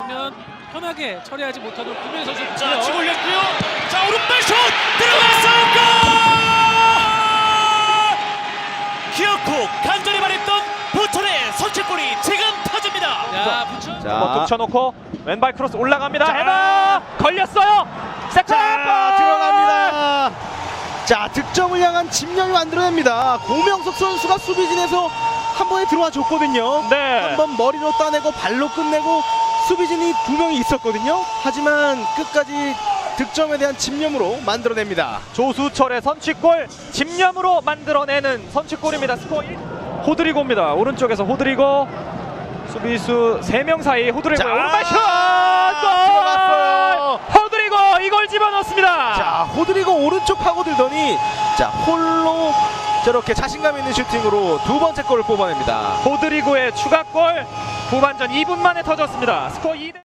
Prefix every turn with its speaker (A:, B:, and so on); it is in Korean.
A: 있으면 편하게 처리하지 못하도록 구면 선수.
B: 자, 치고 올렸고요. 자, 오른발 슛 들어갔어요. 골! 기어코 간절히 말했던 부천의 선취골이 지금 터집니다.
A: 야, 부천.
C: 자,
D: 한번 붙여놓고 왼발 크로스 올라갑니다.
C: 자.
D: 헤더 걸렸어요. 세컨
C: 자, 들어갑니다. 자, 득점을 향한 집념이 만들어냅니다. 고명석 선수가 수비진에서 한 번에 들어와 줬거든요.
D: 네.
C: 한 번 머리로 따내고 발로 끝내고 수비진이 2명이 있었거든요. 하지만 끝까지 득점에 대한 집념으로 만들어냅니다.
D: 조수철의 선취골 집념으로 만들어내는 선취골입니다. 스코어 1. 호드리고입니다. 오른쪽에서 호드리고 수비수 3명 사이 호드리고
C: 자,
D: 오른발 슛!
C: 들어갔어요.
D: 호드리고 이걸 집어넣습니다.
C: 자, 호드리고 오른쪽 파고들더니 자, 홀로 저렇게 자신감 있는 슈팅으로 두 번째 골을 뽑아냅니다.
D: 호드리고의 추가골 후반전 2분 만에 터졌습니다. 스코어 2대